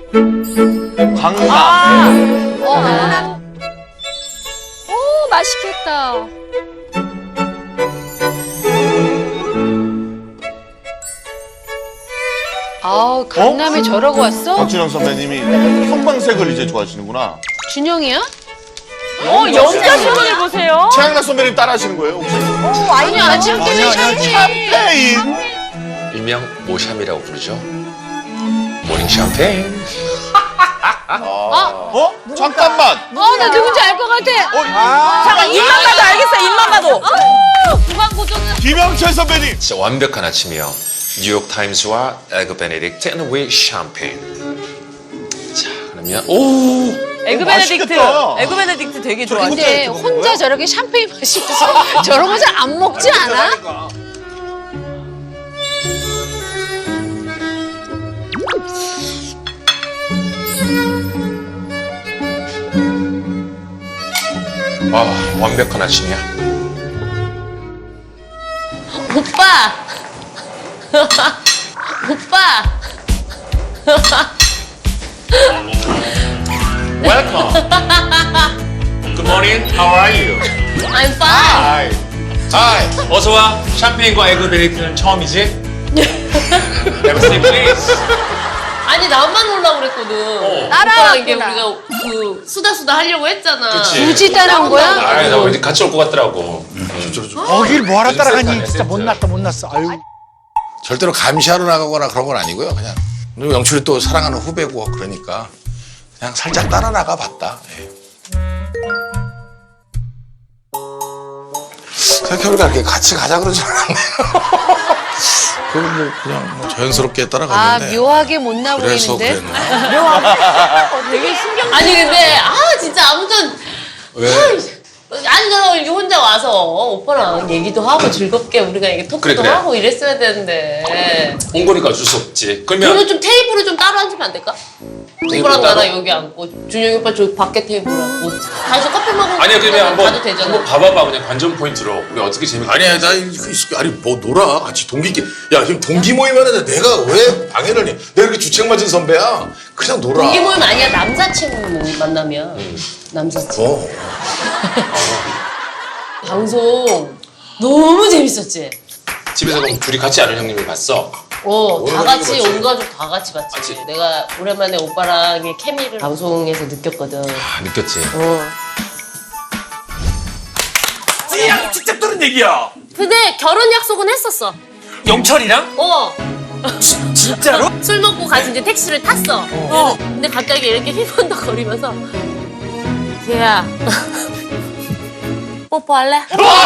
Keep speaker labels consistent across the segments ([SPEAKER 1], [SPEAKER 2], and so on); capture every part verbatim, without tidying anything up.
[SPEAKER 1] 강남.
[SPEAKER 2] 아,
[SPEAKER 3] 어. 오, 맛있겠다. 아우, 강남에 저러고 왔어?
[SPEAKER 1] 박준영 선배님이 형광색을 이제 좋아하시는구나.
[SPEAKER 3] 준영이야?
[SPEAKER 2] 어, 영자 표정을 보세요.
[SPEAKER 1] 최양락 선배님 따라하시는 거예요, 혹시?
[SPEAKER 3] 아니, 아직 때문에 샴페인.
[SPEAKER 1] 샴페인.
[SPEAKER 4] 일명 모샴이라고 부르죠. 모닝 샴페인.
[SPEAKER 1] 어? 잠깐만.
[SPEAKER 3] 어, 나 누군지 알 것 같아.
[SPEAKER 1] 어?
[SPEAKER 2] 잠깐, 입만 봐도 알겠어, 입만 봐도.
[SPEAKER 3] 무광고정은.
[SPEAKER 1] 김영철 선배님.
[SPEAKER 4] 진짜 완벽한 아침이요. 뉴욕 타임스와 에그 베네딕트 앤 위 샴페인. 자, 그러면 오.
[SPEAKER 2] 에그 베네딕트.
[SPEAKER 1] 맛있겠다.
[SPEAKER 2] 에그 베네딕트 되게 좋아해.
[SPEAKER 3] 근데 혼자 저렇게 샴페인 마시면서 저런 거 잘 안 먹지 않아?
[SPEAKER 4] 아, 완벽한 아침이야.
[SPEAKER 3] 오빠! 오빠!
[SPEAKER 4] Welcome. Good morning. How are you?
[SPEAKER 3] I'm fine.
[SPEAKER 4] Hi. Hi. 어서 와. 샴페인과 에그 베네딕트는 처음이지? Have a seat, please.
[SPEAKER 5] 아니 나만 오려고 그랬거든.
[SPEAKER 3] 따라왔구나.
[SPEAKER 5] 오빠랑 이게 우리가 그 수다 수다 하려고 했잖아.
[SPEAKER 4] 그치.
[SPEAKER 3] 굳이 따라온 거야?
[SPEAKER 4] 아, 나 왠지 같이 올 것 같더라고.
[SPEAKER 6] 거길 뭐하러 따라가니?
[SPEAKER 4] 세트
[SPEAKER 6] 진짜
[SPEAKER 4] 아니야,
[SPEAKER 6] 못났다 못났어. 아유.
[SPEAKER 7] 절대로 감시하러 나가거나 그런 건 아니고요. 그냥 그리고 영철이 또 사랑하는 후배고 그러니까 그냥 살짝 따라 나가 봤다. 예. 생각해보니까 이렇게 같이 가자 그러지 않았네요. 그건 뭐 그냥 뭐 자연스럽게
[SPEAKER 3] 아,
[SPEAKER 7] 따라갔는데.
[SPEAKER 3] 묘하게 못나
[SPEAKER 7] 그래서
[SPEAKER 3] 보이는데?
[SPEAKER 7] 그랬나?
[SPEAKER 2] 되게 신경
[SPEAKER 5] 아니 근데 아 진짜 아무튼
[SPEAKER 7] 왜?
[SPEAKER 5] 아니 나 이렇게 혼자 와서 오빠랑 얘기도 하고 즐겁게 우리가 이게 토크도
[SPEAKER 4] 그래, 그래.
[SPEAKER 5] 하고 이랬어야 되는데.
[SPEAKER 4] 온 거니까 어쩔 수 없지. 그러면
[SPEAKER 5] 그러면 좀 테이블을 좀 따로 앉으면 안 될까?
[SPEAKER 4] 테이블
[SPEAKER 5] 오빠랑
[SPEAKER 4] 따로?
[SPEAKER 5] 나랑 여기 앉고 준영이 오빠 저 밖에 테이블 앉고 다시 커피 먹으러
[SPEAKER 4] 아니야, 그러면 한번
[SPEAKER 5] 가도 되잖아.
[SPEAKER 4] 한번 봐봐봐. 그냥 관전 포인트로 우리 어떻게 재밌게.
[SPEAKER 7] 아니야, 나 이거 있을 아니 뭐 놀아 같이 동기끼. 야 지금 동기 모임 하는데 내가 왜 방해를 해? 내가 이렇게 주책 맞은 선배야. 그냥 놀아.
[SPEAKER 5] 동기 모임 아니야 남사친 모임 만나면 남사친.
[SPEAKER 7] 어.
[SPEAKER 5] 방송 너무 재밌었지?
[SPEAKER 4] 집에서 그럼 둘이 같이 아는 형님을 봤어.
[SPEAKER 5] 어, 다
[SPEAKER 7] 오늘
[SPEAKER 5] 같이
[SPEAKER 7] 봤지?
[SPEAKER 5] 온 가족 다 같이 봤지.
[SPEAKER 4] 봤지?
[SPEAKER 5] 내가 오랜만에 오빠랑의 케미를 방송에서 느꼈거든.
[SPEAKER 4] 아, 느꼈지.
[SPEAKER 5] 어.
[SPEAKER 8] 찌양 직접 들은 얘기야.
[SPEAKER 5] 근데 결혼 약속은 했었어.
[SPEAKER 8] 영철이랑?
[SPEAKER 5] 어.
[SPEAKER 8] 진짜로?
[SPEAKER 5] 술 먹고 같이 이제 택시를 탔어. 어. 근데 갑자기 이렇게 휘번덕거리면서 쟤야 뽀뽀할래?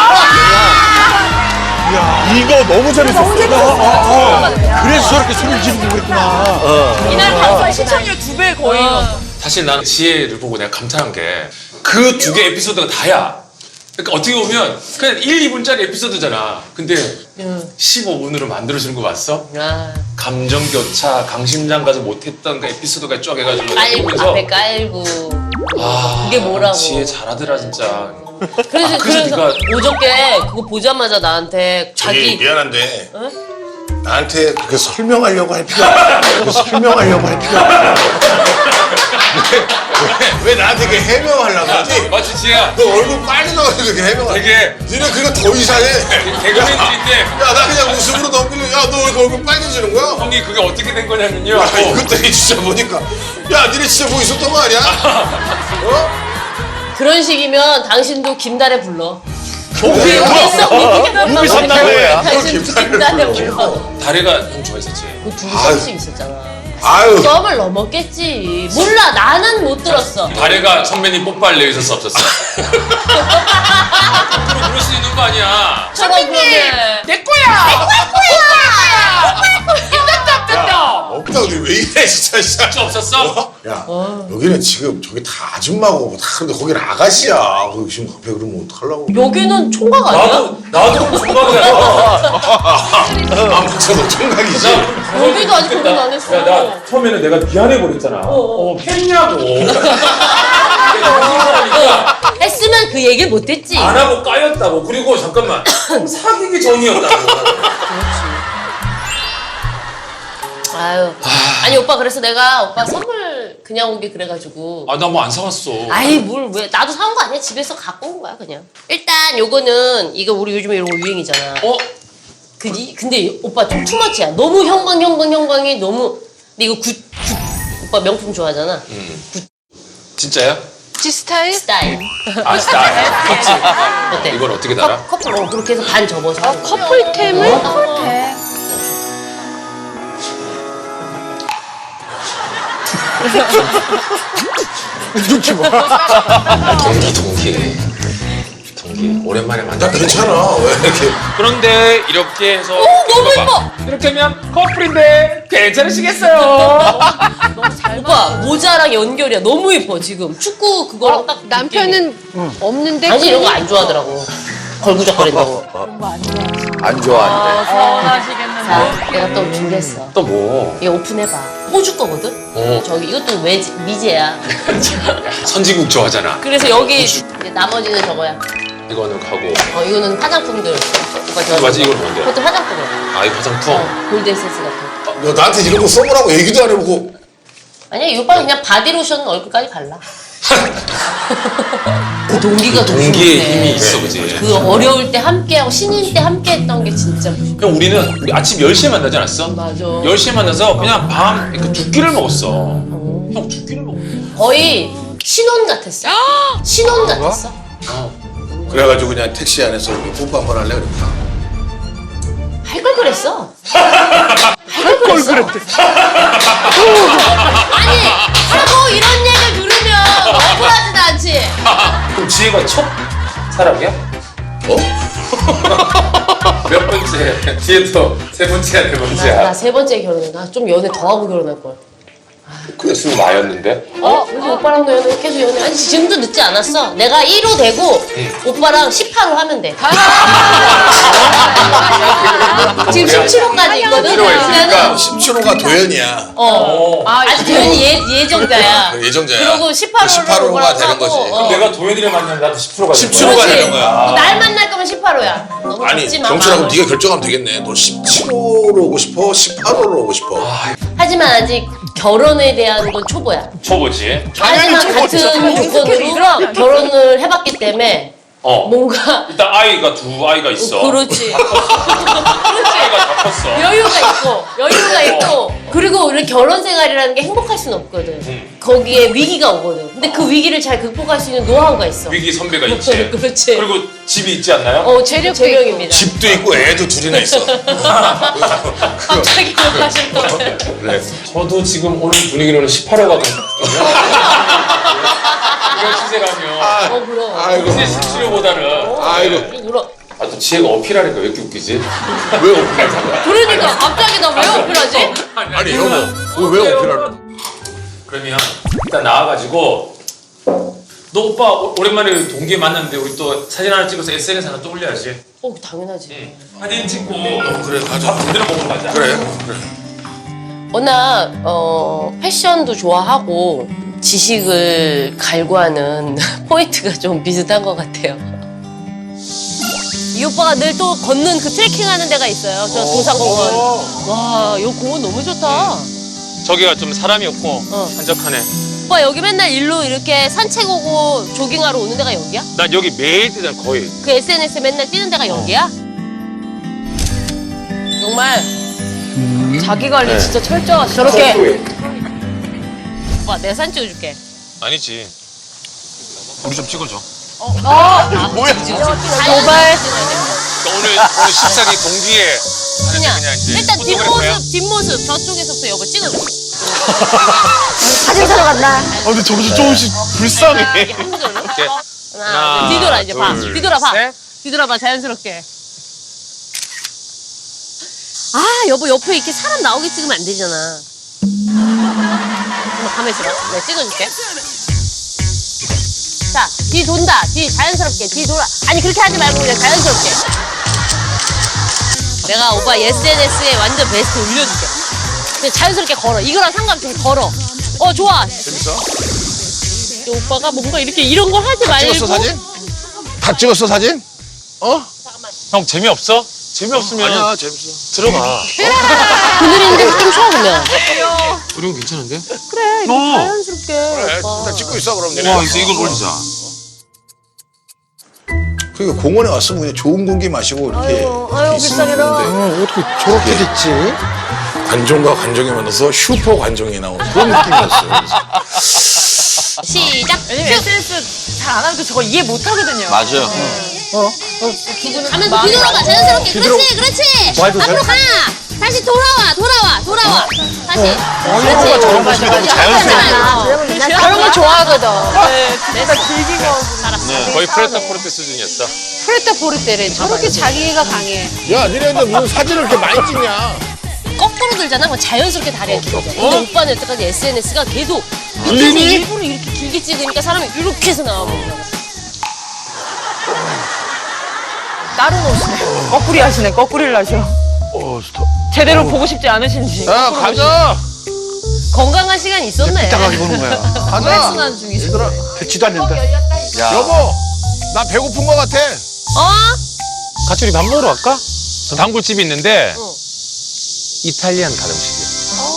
[SPEAKER 1] 이거 너무 재밌었어.
[SPEAKER 6] 그래서 저렇게 소리를 지르고 그랬구나.
[SPEAKER 2] 이날 방송 시청률 두 배 거의.
[SPEAKER 4] 사실 나는 지혜를 보고 내가 감탄한 게 그 두 개 에피소드가 다야. 그러니까 어떻게 보면 그냥 일, 이 분짜리 에피소드잖아. 근데 십오 분으로 만들어주는 거 봤어?
[SPEAKER 5] 아,
[SPEAKER 4] 감정교차, 강심장 가서 못했던 그 에피소드가 쫙 해가지고
[SPEAKER 5] 깔고
[SPEAKER 4] 보면서
[SPEAKER 5] 앞에 깔고.
[SPEAKER 4] 아,
[SPEAKER 5] 그게 뭐라고.
[SPEAKER 4] 지혜 잘하더라 진짜.
[SPEAKER 5] 그래서
[SPEAKER 4] 아, 그래서
[SPEAKER 5] 그래서
[SPEAKER 4] 네가-
[SPEAKER 5] 어저께 그거 보자마자 나한테
[SPEAKER 7] 자기
[SPEAKER 5] 자기
[SPEAKER 7] 미안한데 나한테 그렇게 설명하려고 할 필요 없어. 그렇게 설명하려고 할 필요 없어. 왜, 왜, 왜 나한테 이렇게 해명하려고 하지?
[SPEAKER 4] 맞지 지혜야?
[SPEAKER 7] 너 얼굴 빨리 나와서 그렇게 해명하지?
[SPEAKER 4] 되게
[SPEAKER 7] 니네 그거 더 이상해.
[SPEAKER 4] 개그맨들인데
[SPEAKER 7] 야, 나 그냥 웃음으로 넘기려. 야, 너 왜 이렇게 얼굴 빨개지는 거야?
[SPEAKER 4] 형이 그게 어떻게 된 거냐면요.
[SPEAKER 7] 야, 이것들이 진짜 보니까. 야, 니네 진짜 뭐 있었던 거 아니야? 어?
[SPEAKER 5] 그런 식이면 당신도 김달에 불러.
[SPEAKER 1] 우비
[SPEAKER 5] 우비
[SPEAKER 1] 삼남매야.
[SPEAKER 5] 당신도 김달에 불러.
[SPEAKER 4] 다래가 형 좋아했었지.
[SPEAKER 5] 그두 썸씩 있었잖아.
[SPEAKER 7] 아유.
[SPEAKER 5] 썸을 넘었겠지. 몰라 나는 못 들었어.
[SPEAKER 4] 다래가 선배님 뽀뽀할래 있을 수 없었어. 앞으로 그럴 수 있는 거 아니야.
[SPEAKER 5] 선배님
[SPEAKER 8] 내 거야.
[SPEAKER 7] 없다, 우리 왜 이래, 진짜, 진짜.
[SPEAKER 4] 진짜 없었어?
[SPEAKER 7] 야, 여기는 지금 저기 다 아줌마고 다 그런데 거기는 아가씨야. 거기 지금 앞에 그러면 어떡하려고.
[SPEAKER 5] 여기는 총각 아니야?
[SPEAKER 4] 나도 나도 총각이야.
[SPEAKER 7] 아, 맞아, 너 총각이지?
[SPEAKER 5] 여기도 아직 결혼 안 했어.
[SPEAKER 4] 야, 나 처음에는 내가 미안해 버렸잖아. 어, 팬냐고.
[SPEAKER 5] 했으면 그 얘기를 못했지.
[SPEAKER 4] 안 하고 까였다고. 그리고 잠깐만. 사귀기 전이었다고.
[SPEAKER 5] 아유. 아니 오빠 그래서 내가 오빠 선물 그냥 오게 그래가지고.
[SPEAKER 4] 아 나 뭐 안 사왔어.
[SPEAKER 5] 아이 뭘 왜 나도 사온 거 아니야. 집에서 갖고 온 거야 그냥. 일단 요거는 이거 우리 요즘에 이런 거 유행이잖아.
[SPEAKER 4] 어?
[SPEAKER 5] 그지? 근데 오빠 좀 투머치야. 너무 형광 형광 형광이 너무. 근데 이거 굿, 굿 오빠 명품 좋아하잖아.
[SPEAKER 4] 진짜야?
[SPEAKER 3] 지 스타일?
[SPEAKER 5] 스타일.
[SPEAKER 4] 아 스타일. 그치?
[SPEAKER 5] 어때?
[SPEAKER 4] 이걸 어떻게 달아?
[SPEAKER 5] 커, 커플 어, 그렇게 해서 반 접어서.
[SPEAKER 3] 아, 커플템을?
[SPEAKER 6] 눈치 봐.
[SPEAKER 4] 동기 동기. 동기. 오랜만에 만나.
[SPEAKER 7] 나 괜찮아. 왜 이렇게.
[SPEAKER 4] 그런데 이렇게 해서
[SPEAKER 5] 너무
[SPEAKER 4] 이거 봐. 이렇게 하면 커플인데 괜찮으시겠어요?
[SPEAKER 5] 오빠 모자랑 연결이야. 너무 예뻐 지금. 축구 그거랑 딱.
[SPEAKER 3] 남편은 없는데.
[SPEAKER 5] 아니 이런 거 안 좋아하더라고. 걸구적거린다고.
[SPEAKER 6] 안 좋아한대.
[SPEAKER 2] 서운하시겠는데.
[SPEAKER 5] 자, 내가 또 준비했어.
[SPEAKER 4] 또 뭐?
[SPEAKER 5] 이거 오픈해봐. 호주 거거든?
[SPEAKER 4] 어.
[SPEAKER 5] 저기 이것도 외 미제야.
[SPEAKER 4] 선진국 좋아하잖아.
[SPEAKER 5] 그래서 여기 이제 나머지는 저거야.
[SPEAKER 4] 이거는 가고.
[SPEAKER 5] 어 이거는 화장품들. 오빠
[SPEAKER 4] 이거 맞지? 이건 뭔데?
[SPEAKER 5] 그것도 화장품이야.
[SPEAKER 4] 아 이 화장품.
[SPEAKER 5] 어, 골드에센스 같은.
[SPEAKER 7] 너 나한테 이런 거 써보라고 얘기도 안 해보고.
[SPEAKER 5] 아니야 이 오빠는 그냥 바디로션 얼굴까지 발라. 그 동기가 더
[SPEAKER 4] 동기의
[SPEAKER 5] 중요해.
[SPEAKER 4] 힘이 있어, 그지?
[SPEAKER 5] 그 어려울 때 함께하고 신인 때 함께했던 게 진짜 무슨.
[SPEAKER 4] 그냥 우리는 우리 아침 열 시에 만나지 않았어?
[SPEAKER 5] 맞아.
[SPEAKER 4] 열 시에 만나서 그냥 밤 그 두 끼를 먹었어. 형 두 끼를 먹었어.
[SPEAKER 5] 거의 신혼 같았어. 신혼 같았어.
[SPEAKER 7] 그래가지고 그냥 택시 안에서 우리 뽀뽀 한번 할래 그랬구나.
[SPEAKER 5] 할 걸 그랬어. 할 걸 그랬대. 아니 하고 이런 얘기를 들으면 억울하지도 않지.
[SPEAKER 4] 그럼 지혜가 첫 사람이야?
[SPEAKER 7] 어?
[SPEAKER 4] 몇 번째? 지혜도 세 번째야, 네 번째야?
[SPEAKER 5] 나 세 번째 결혼해. 나 좀 연애 더 하고 결혼할 걸.
[SPEAKER 4] 그랬으면 나였는데?
[SPEAKER 5] 어? 그래서 오빠랑도 연애 계속 연애. 아니 지금도 늦지 않았어. 내가 일 호 되고 오빠랑 십팔 호 하면 돼. 지금 십칠 호까지 있거든.
[SPEAKER 4] 십칠 호가 있으니까.
[SPEAKER 5] 그러면은
[SPEAKER 7] 십칠 호가 도현이야.
[SPEAKER 5] 어. 아직 도현이 예, 예정자야.
[SPEAKER 7] 예정자야.
[SPEAKER 5] 그리고 십팔 호로
[SPEAKER 7] 십팔 호가 되는 거지.
[SPEAKER 5] 어.
[SPEAKER 4] 내가 도현이를 만나면 나도 십칠 호가
[SPEAKER 7] 십칠 호가
[SPEAKER 5] 그렇지.
[SPEAKER 7] 되는 거야.
[SPEAKER 5] 너 날 만날 거면 십팔 호야. 너무
[SPEAKER 7] 아니
[SPEAKER 5] 걷지 마.
[SPEAKER 7] 경철아 그럼
[SPEAKER 5] 마음을.
[SPEAKER 7] 네가 결정하면 되겠네. 너 십칠 호로 오고 싶어? 십팔 호로 오고 싶어?
[SPEAKER 5] 하지만 아직 결혼에 대한 건 초보야.
[SPEAKER 4] 초보지?
[SPEAKER 5] 하지만 같은 조건으로 결혼을 해봤기 때문에
[SPEAKER 4] 어.
[SPEAKER 5] 뭔가
[SPEAKER 4] 일단 아이가 두 아이가 있어.
[SPEAKER 5] 그렇지.
[SPEAKER 4] 아이가 다 컸어.
[SPEAKER 5] 여유가 있고 여유가 있고 그리고 우리 결혼 생활이라는 게 행복할 수는 없거든.
[SPEAKER 4] 음.
[SPEAKER 5] 거기에 위기가 오거든. 근데 그 위기를 잘 극복할 수 있는 노하우가 있어.
[SPEAKER 4] 위기 선배가 있지.
[SPEAKER 5] 그렇지.
[SPEAKER 4] 그리고 집이 있지 않나요?
[SPEAKER 5] 어 재력 재명입니다.
[SPEAKER 7] 집도 있고 애도 둘이나 있어.
[SPEAKER 5] 갑자기 기억하실 거예요.
[SPEAKER 7] 그래.
[SPEAKER 4] 저도 지금 오늘 분위기로는 십팔 호가 같거든요. 이런 시세라면
[SPEAKER 5] 어 그럼.
[SPEAKER 7] 아이고.
[SPEAKER 4] 이제 십칠 호보다는
[SPEAKER 7] 아이고.
[SPEAKER 5] 울어.
[SPEAKER 4] 아, 또 지혜가 어필하니까 왜 이렇게 웃기지?
[SPEAKER 7] 왜 어필하는 거야?
[SPEAKER 5] 그러니까 갑자기 나 왜 어필하지?
[SPEAKER 7] 아니 여보 그거 왜 어필하는
[SPEAKER 4] 그러면 일단 나와가지고 너 오빠 오- 오랜만에 동기에 만났는데 우리 또 사진 하나 찍어서 에스엔에스 하나 또 올려야지.
[SPEAKER 5] 어 당연하지.
[SPEAKER 4] 사진 찍고
[SPEAKER 7] 그래 가자.
[SPEAKER 4] 밥 제대로 먹으러 가자.
[SPEAKER 7] 그래. 그래.
[SPEAKER 5] 워낙 어, 패션도 좋아하고 지식을 갈구하는 포인트가 좀 비슷한 것 같아요. 이 오빠가 늘 또 걷는 그 트레킹하는 데가 있어요. 저 도산공원. 와, 이 공원 너무 좋다.
[SPEAKER 4] 저기가 좀 사람이 없고
[SPEAKER 5] 어.
[SPEAKER 4] 한적하네.
[SPEAKER 5] 오빠 여기 맨날 일로 이렇게 산책 오고 조깅하러 오는 데가 여기야?
[SPEAKER 4] 난 여기 매일 뛰잖아 거의.
[SPEAKER 5] 그 에스엔에스 맨날 뛰는 데가 여기야? 정말 자기 관리 진짜 철저하시다. 저렇게 오빠 내 사진 찍어줄게.
[SPEAKER 4] 아니지. 우리 좀 찍어줘.
[SPEAKER 5] 뭐야? 도발.
[SPEAKER 4] 그러니까 오늘 오늘 십사기 동기에 하는데
[SPEAKER 5] 그냥,
[SPEAKER 4] 그냥 이제
[SPEAKER 5] 일단
[SPEAKER 4] 포토그래퍼야?
[SPEAKER 5] 뒷모습 뒷모습 저쪽에서부터 여보 찍어줘.
[SPEAKER 3] 사진 사러 간다.
[SPEAKER 1] 아, 근데 저기서 조금씩 불쌍해.
[SPEAKER 5] 이렇게 한 손으로.
[SPEAKER 4] 이렇게.
[SPEAKER 5] 하나,
[SPEAKER 4] 하나,
[SPEAKER 5] 뒤돌아 이제 봐.
[SPEAKER 4] 둘,
[SPEAKER 5] 뒤돌아 봐.
[SPEAKER 4] 셋.
[SPEAKER 5] 뒤돌아 봐 자연스럽게. 아 여보 옆에 이렇게 사람 나오게 찍으면 안 되잖아. 한번 가만히 있어봐. 내가 찍어줄게. 자, 뒤 돈다. 뒤 자연스럽게. 뒤 돌아. 아니 그렇게 하지 말고 그냥 자연스럽게. 내가 오빠 에스엔에스에 완전 베스트 올려줄게. 그냥 자연스럽게 걸어. 이거랑 상관없이 걸어. 어 좋아.
[SPEAKER 7] 재밌어?
[SPEAKER 5] 오빠가 뭔가 이렇게 이런 걸 하지 말고.
[SPEAKER 7] 찍었어 사진? 다 찍었어 사진? 어?
[SPEAKER 4] 형 재미없어? 재미없으면
[SPEAKER 7] 아니야 재밌어.
[SPEAKER 4] 들어가.
[SPEAKER 5] 그늘인데 좀 쉬어 보면.
[SPEAKER 4] 조령 괜찮은데?
[SPEAKER 3] 그래, 이렇게
[SPEAKER 4] 어.
[SPEAKER 3] 자연스럽게.
[SPEAKER 7] 그래, 일단 찍고 있어 그럼 니네.
[SPEAKER 4] 와, 이제 이걸 올리자.
[SPEAKER 7] 그러니까 공원에 왔으면 그냥 좋은 공기 마시고 이렇게.
[SPEAKER 5] 아유, 아유, 불쌍해라.
[SPEAKER 6] 어, 어떻게 저렇게 됐지?
[SPEAKER 7] 관종과 관종이 만나서 슈퍼 관종이 나오는 그런 느낌이었어요.
[SPEAKER 5] 시작.
[SPEAKER 2] 왜냐면 에스엔에스 잘 안 하면 또 저거 이해 못 하거든요.
[SPEAKER 6] 맞아요.
[SPEAKER 5] 가면서 뒤돌아봐 자연스럽게. 그렇지, 그렇지.
[SPEAKER 6] 와이드
[SPEAKER 5] 앞으로 가. 다시 돌아와, 돌아와, 돌아와. 다시.
[SPEAKER 6] 영호가 저런 모습이 너무 자연스러워.
[SPEAKER 3] 난 그런 거 좋아하거든.
[SPEAKER 2] 네, 진짜 길긴 거.
[SPEAKER 4] 거의 프레타 포르테 수준이었어.
[SPEAKER 3] 프레타 포르테래. 저렇게 자기가 강해.
[SPEAKER 7] 야, 니네들 무슨 사진을 이렇게 많이 찍냐?
[SPEAKER 5] 거꾸로 들잖아. 그럼 자연스럽게 다리가 길어져. 근데 오빠는 여태까지 에스엔에스가 계속 밑에서
[SPEAKER 7] 들리니?
[SPEAKER 5] 일부러 이렇게 길게 찍으니까 사람이 이렇게 해서 나와버리잖아.
[SPEAKER 2] 다른 옷이네. 거꾸리 하시네. 거꾸리를 하셔.
[SPEAKER 6] 어, 스톱.
[SPEAKER 2] 제대로 보고 싶지 않으신지.
[SPEAKER 7] 야, 가자.
[SPEAKER 5] 건강한 시간 있었네.
[SPEAKER 6] 삐딱하게 보는 거야.
[SPEAKER 7] 가자.
[SPEAKER 2] 순환 중이시.
[SPEAKER 7] 얘들아,
[SPEAKER 6] 듣지도 않는다. 야.
[SPEAKER 7] 여보, 나 배고픈 거 같아.
[SPEAKER 5] 어?
[SPEAKER 4] 같이 우리 밥 먹으러 갈까? 저 단골집이 있는데 이탈리안 가정식이야.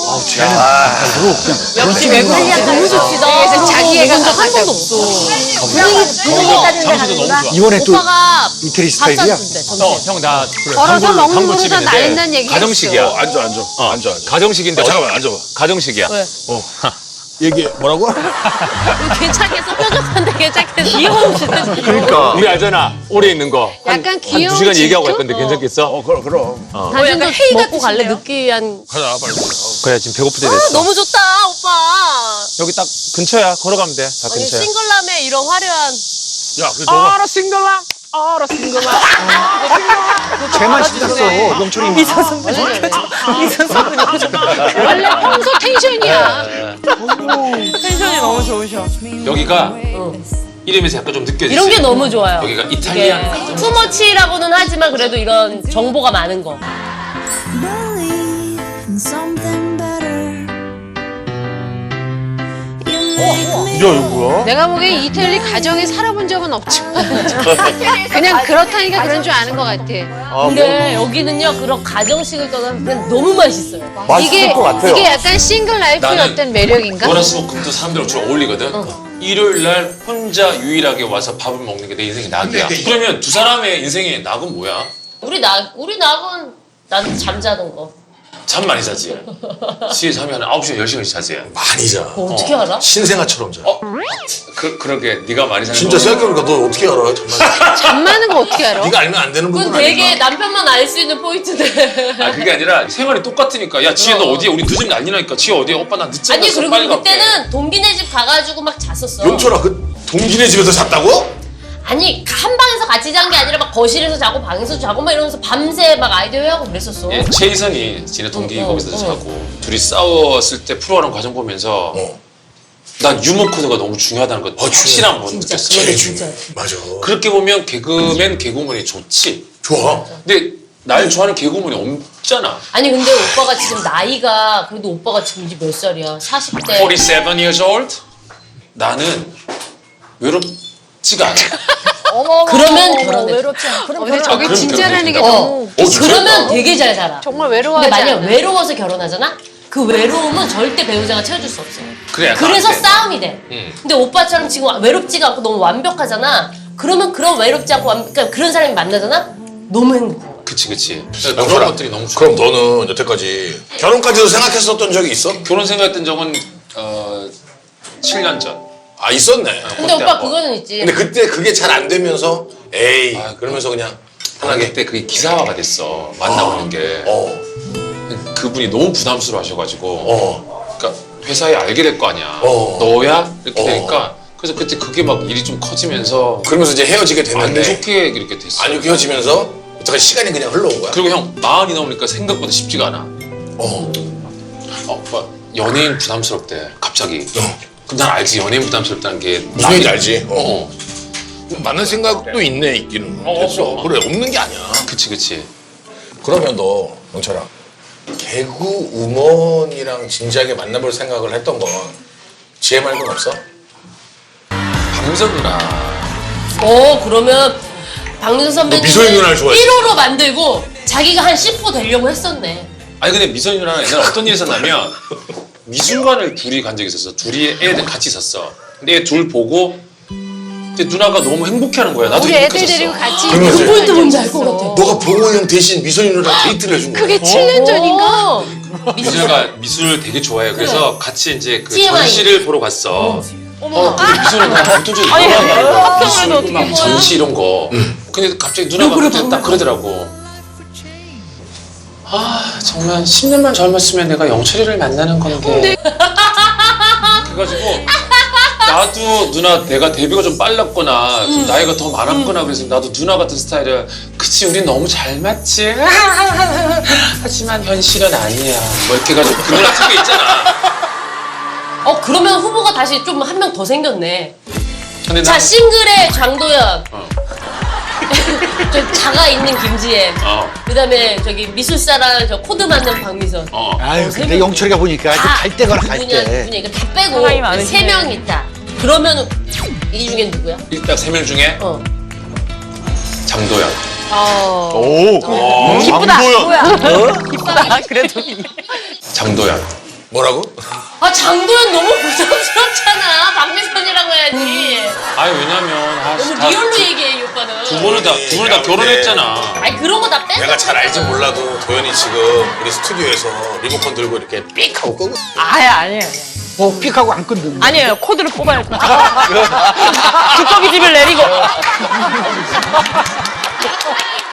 [SPEAKER 2] 역시 외국인이야.
[SPEAKER 3] 너무 좋지. 그래서 자기 애가
[SPEAKER 5] 한
[SPEAKER 3] 가자고.
[SPEAKER 5] 번도 없어. 분위기, 분위기 따지는 데
[SPEAKER 4] 장소도 너무
[SPEAKER 5] 가는구나.
[SPEAKER 4] 좋아.
[SPEAKER 6] 이번에 또
[SPEAKER 5] 오빠가
[SPEAKER 6] 이태리
[SPEAKER 5] 밥
[SPEAKER 6] 스타일이야?
[SPEAKER 5] 사준대, 점심.
[SPEAKER 4] 어, 형, 나
[SPEAKER 3] 걸어서 먹는 거보다 날린다는 얘기.
[SPEAKER 4] 가정식이야.
[SPEAKER 7] 어, 앉아, 앉아.
[SPEAKER 4] 어,
[SPEAKER 7] 앉아, 앉아.
[SPEAKER 4] 가정식인데.
[SPEAKER 7] 어,
[SPEAKER 4] 어,
[SPEAKER 7] 잠깐만, 앉아봐.
[SPEAKER 4] 가정식이야.
[SPEAKER 5] 왜?
[SPEAKER 7] 얘기해. 뭐라고?
[SPEAKER 5] 괜찮겠어? 뾰족한데 괜찮겠어?
[SPEAKER 2] 귀여운 진짜.
[SPEAKER 6] 그러니까.
[SPEAKER 4] 우리 알잖아. 오래 있는 거. 한,
[SPEAKER 3] 약간
[SPEAKER 4] 한
[SPEAKER 3] 귀여운
[SPEAKER 4] 두 시간 얘기하고
[SPEAKER 3] 질투?
[SPEAKER 4] 갈 건데 괜찮겠어?
[SPEAKER 7] 어, 그럼, 그럼.
[SPEAKER 5] 당신도
[SPEAKER 2] 약간 회의
[SPEAKER 5] 먹고 갈래?
[SPEAKER 2] 같으신데요?
[SPEAKER 5] 느끼한.
[SPEAKER 7] 가자, 빨리.
[SPEAKER 4] 그래, 지금 배고플 때
[SPEAKER 5] 아,
[SPEAKER 4] 됐어.
[SPEAKER 5] 너무 좋다, 오빠.
[SPEAKER 4] 여기 딱 근처야. 걸어가면 돼. 다
[SPEAKER 5] 아니,
[SPEAKER 4] 근처야.
[SPEAKER 5] 싱글남의 이런 화려한.
[SPEAKER 7] 야, 그래, 너가.
[SPEAKER 2] 알아 싱글람. 알아 싱글람.
[SPEAKER 6] 쟤만 신났어. 영철이.
[SPEAKER 2] 이선 선배 이선 선배
[SPEAKER 3] 원래 평소 텐션이야.
[SPEAKER 2] 텐션이 너무 좋으셔.
[SPEAKER 4] 여기가 이름에서 약간 좀 느껴지지?
[SPEAKER 5] 이런 게 너무 좋아요.
[SPEAKER 4] 여기가
[SPEAKER 5] 이게
[SPEAKER 4] 이탈리안.
[SPEAKER 5] 투머치라고는 하지만 그래도 이런 정보가 많은 거.
[SPEAKER 9] Believe in something better. You make me
[SPEAKER 6] 야, 이거 뭐야?
[SPEAKER 3] 내가 보기엔 이태리 가정에 살아본 적은 없지만 그냥 그렇다니까 그런 줄 아는 것 같아.
[SPEAKER 6] 아,
[SPEAKER 5] 근데 여기는요 그런 가정식을 떠나면 그냥 너무 맛있어요.
[SPEAKER 6] 맛있을
[SPEAKER 3] 이게
[SPEAKER 6] 것 같아요.
[SPEAKER 3] 이게 약간 싱글 라이프의
[SPEAKER 4] 나는
[SPEAKER 3] 어떤 매력인가?
[SPEAKER 4] 월화수목금도 사람들하고 주로 어울리거든. 일요일 날 혼자 유일하게 와서 밥을 먹는 게 내 인생의 낙이야.
[SPEAKER 7] 근데
[SPEAKER 4] 그러면 두 사람의 인생의 낙은 뭐야?
[SPEAKER 5] 우리 낙 우리 낙은 난 잠자는 거.
[SPEAKER 4] 잠 많이 자지. 시에 잠이 한 아홉 시간 열 시간씩 자지.
[SPEAKER 7] 많이 자.
[SPEAKER 5] 그거 어떻게 알아?
[SPEAKER 7] 신생아처럼 자.
[SPEAKER 4] 어? 그, 그러게 네가 많이 자는
[SPEAKER 7] 진짜
[SPEAKER 4] 거.
[SPEAKER 7] 생각해보니까 너 어떻게 알아, 정말.
[SPEAKER 3] 잠 많은 거 어떻게 알아?
[SPEAKER 7] 네가 알면 안 되는
[SPEAKER 5] 그건
[SPEAKER 7] 부분
[SPEAKER 5] 되게
[SPEAKER 7] 아닌가?
[SPEAKER 5] 남편만 알 수 있는 포인트들.
[SPEAKER 4] 아 그게 아니라 생활이 똑같으니까 야 지혜 너 어디야? 우리 늦으면 난리나니까 지혜 어디야? 오빠 나 늦잠
[SPEAKER 5] 아니
[SPEAKER 4] 잤어
[SPEAKER 5] 그리고
[SPEAKER 4] 빨리 갈게.
[SPEAKER 5] 그때는 동기네 집 가가지고 막 잤었어.
[SPEAKER 7] 용철아, 그 동진의 집에서 잤다고?
[SPEAKER 5] 아니 한 방에서 같이 잔 게 아니라 막 거실에서 자고 방에서 자고 막 이러면서 밤새 막 아이디어 회하고 그랬었어.
[SPEAKER 4] 예, 최희선이 지네 동기
[SPEAKER 5] 어, 어,
[SPEAKER 4] 거기서
[SPEAKER 5] 어.
[SPEAKER 4] 자고 둘이 싸웠을 때 프로하는 과정 보면서
[SPEAKER 7] 어.
[SPEAKER 4] 난 유머 코드가 너무 중요하다는 거
[SPEAKER 7] 어,
[SPEAKER 4] 확실한 건
[SPEAKER 5] 진짜.
[SPEAKER 4] 느꼈어.
[SPEAKER 7] 제일
[SPEAKER 5] 진짜.
[SPEAKER 7] 중요해. 맞아.
[SPEAKER 4] 그렇게 보면 개그맨 개그우먼이 좋지.
[SPEAKER 7] 좋아.
[SPEAKER 4] 근데 날 좋아하는 개그우먼이 없잖아.
[SPEAKER 5] 아니 근데 오빠가 지금 나이가 그래도 오빠가 지금 이제 몇 살이야? 사십 대.
[SPEAKER 4] forty-seven years old? 나는 외롭지가 않아.
[SPEAKER 5] 그러면 결혼해.
[SPEAKER 3] 어, 근데 저게
[SPEAKER 4] 그럼
[SPEAKER 3] 진짜라는 게
[SPEAKER 4] 결혼된다.
[SPEAKER 3] 너무
[SPEAKER 4] 어,
[SPEAKER 5] 그러면 되게 잘 살아.
[SPEAKER 3] 정말
[SPEAKER 5] 근데
[SPEAKER 3] 외로워하지
[SPEAKER 5] 만약
[SPEAKER 3] 않아.
[SPEAKER 5] 외로워서 결혼하잖아? 그 외로움은 절대 배우자가 채워줄 수 없어.
[SPEAKER 4] 그래, 약간
[SPEAKER 5] 그래서
[SPEAKER 4] 안 돼.
[SPEAKER 5] 싸움이 돼.
[SPEAKER 4] 응.
[SPEAKER 5] 근데 오빠처럼 지금 외롭지가 않고 너무 완벽하잖아? 그러면 그런 외롭지 않고 완, 그러니까 그런 사람이 만나잖아? 너무 행복해.
[SPEAKER 4] 그치 그치.
[SPEAKER 7] 야,
[SPEAKER 4] 그런
[SPEAKER 7] 그럼-
[SPEAKER 4] 것들이 너무 좋아.
[SPEAKER 7] 그럼 너는 여태까지 결혼까지도 생각했었던 적이 있어?
[SPEAKER 4] 결혼 생각했던 적은 어, 칠 년 전.
[SPEAKER 7] 아, 있었네.
[SPEAKER 5] 근데
[SPEAKER 4] 그때
[SPEAKER 5] 오빠
[SPEAKER 4] 한 번.
[SPEAKER 5] 그거는 있지.
[SPEAKER 7] 근데 그때 그게 잘 안 되면서 에이
[SPEAKER 4] 아,
[SPEAKER 7] 그러면서 그냥
[SPEAKER 4] 아,
[SPEAKER 7] 편하게
[SPEAKER 4] 그때 그게 기사화가 됐어. 만나보는 게.
[SPEAKER 7] 어,
[SPEAKER 4] 그분이 너무 부담스러워 하셔가지고.
[SPEAKER 7] 어.
[SPEAKER 4] 그러니까 회사에 알게 될 거 아니야.
[SPEAKER 7] 어.
[SPEAKER 4] 너야? 이렇게
[SPEAKER 7] 어.
[SPEAKER 4] 되니까. 그래서 그때 그게 막 일이 좀 커지면서
[SPEAKER 7] 그러면서 이제 헤어지게
[SPEAKER 4] 안
[SPEAKER 7] 됐는데
[SPEAKER 4] 좋게 이렇게 됐어.
[SPEAKER 7] 안 좋게 헤어지면서 어떻게 시간이 그냥 흘러온 거야?
[SPEAKER 4] 그리고 형 마흔이 넘으니까 생각보다 쉽지가 않아.
[SPEAKER 7] 어.
[SPEAKER 4] 어, 막 연예인 부담스럽대. 갑자기.
[SPEAKER 7] 어.
[SPEAKER 4] 그럼 난 알지 연예인 부담스럽다는 게
[SPEAKER 7] 무슨 얘기인지 알지? 어.
[SPEAKER 4] 어.
[SPEAKER 7] 맞는 생각도 있네 있기는.
[SPEAKER 4] 어,
[SPEAKER 7] 됐어.
[SPEAKER 4] 어.
[SPEAKER 7] 그래 없는 게 아니야.
[SPEAKER 4] 그치 그치.
[SPEAKER 7] 그러면 너 영철아 개그 우먼이랑 진지하게 만나볼 생각을 했던 건 지혜 말고는 없어?
[SPEAKER 4] 박민선 누나.
[SPEAKER 5] 어 그러면 박민선 선배님
[SPEAKER 7] 미소의 누나를 좋아해.
[SPEAKER 5] 일 호로 만들고 자기가 한 십 호 되려고 했었네.
[SPEAKER 4] 아니 근데 미선이 누나는 옛날에 어떤 일이 있었냐면 미술관을 둘이 간 적이 있었어. 둘이 애들 같이 있었어. 근데 애 둘 보고 이제 누나가 너무 행복해하는 거야. 나도
[SPEAKER 3] 우리 애들
[SPEAKER 4] 행복했었어.
[SPEAKER 3] 데리고 같이
[SPEAKER 7] 그러면서
[SPEAKER 5] 그 포인트 뭔지 알 것 같아.
[SPEAKER 7] 너가 봉호 형 대신 미선이 누나랑 데이트를 해준 거야.
[SPEAKER 3] 그게 칠 년 전인가?
[SPEAKER 5] 어.
[SPEAKER 4] 미술가 미술을 되게 좋아해. 그래서 같이 이제 그
[SPEAKER 5] 티엠아이.
[SPEAKER 4] 전시를 보러 갔어. 어, 근데 미술은 나 어떤 적이 있어. 미술 막 전시 이런 거. 근데 갑자기 누나가 그때 딱 그러더라고. 아 정말 십 년만 젊었으면 내가 영철이를 만나는 건데. 그래가지고 나도 누나 내가 데뷔가 좀 빨랐거나 좀 나이가 더 많았거나 그래서 나도 누나 같은 스타일을 그치 우린 너무 잘 맞지 하지만 현실은 아니야 뭐 이렇게 해가지고 그 누나 특유 있잖아.
[SPEAKER 5] 어 그러면 후보가 다시 좀 한 명 더 생겼네.
[SPEAKER 4] 근데
[SPEAKER 5] 자
[SPEAKER 4] 난-
[SPEAKER 5] 싱글의 장도연.
[SPEAKER 4] 어.
[SPEAKER 5] 좀 자가 있는 김지혜.
[SPEAKER 4] 어.
[SPEAKER 5] 그다음에 저기 미술사랑 저 코드 맞는 박미선.
[SPEAKER 4] 어.
[SPEAKER 6] 아유 근데 영철이가 보니까
[SPEAKER 5] 다
[SPEAKER 6] 갈 때거나 갈
[SPEAKER 5] 누구냐
[SPEAKER 6] 때.
[SPEAKER 5] 누구냐 이거 다 빼고
[SPEAKER 2] 사람이 많으시네.
[SPEAKER 5] 세 명 있다. 그러면 이 중엔 누구야?
[SPEAKER 4] 일단 세 명 중에
[SPEAKER 5] 어.
[SPEAKER 4] 장도연.
[SPEAKER 1] 오.
[SPEAKER 4] 어.
[SPEAKER 2] 기쁘다.
[SPEAKER 1] 장도연.
[SPEAKER 2] 뭐야? 기쁘다. 그래도.
[SPEAKER 4] 장도연.
[SPEAKER 7] 뭐라고?
[SPEAKER 5] 아 장도연 너무 부담스럽잖아. 박미선이라고 해야지.
[SPEAKER 4] 아니 왜냐면 아,
[SPEAKER 5] 너무
[SPEAKER 4] 다
[SPEAKER 5] 리얼로
[SPEAKER 4] 두-
[SPEAKER 5] 얘기해 이 오빠는.
[SPEAKER 4] 두 분은 다 두 분은 다
[SPEAKER 7] 야,
[SPEAKER 4] 결혼했잖아.
[SPEAKER 5] 아니 그런 거 다 빼.
[SPEAKER 7] 내가 잘 알지 몰라도 도현이 지금 우리 스튜디오에서 리모컨 들고 이렇게 삑 하고 끄고
[SPEAKER 2] 아야 아니에요.
[SPEAKER 6] 뭐 삑하고 안 끊는.
[SPEAKER 2] 아니에요. 코드를 뽑아야 돼. 두꺼비 집을 내리고.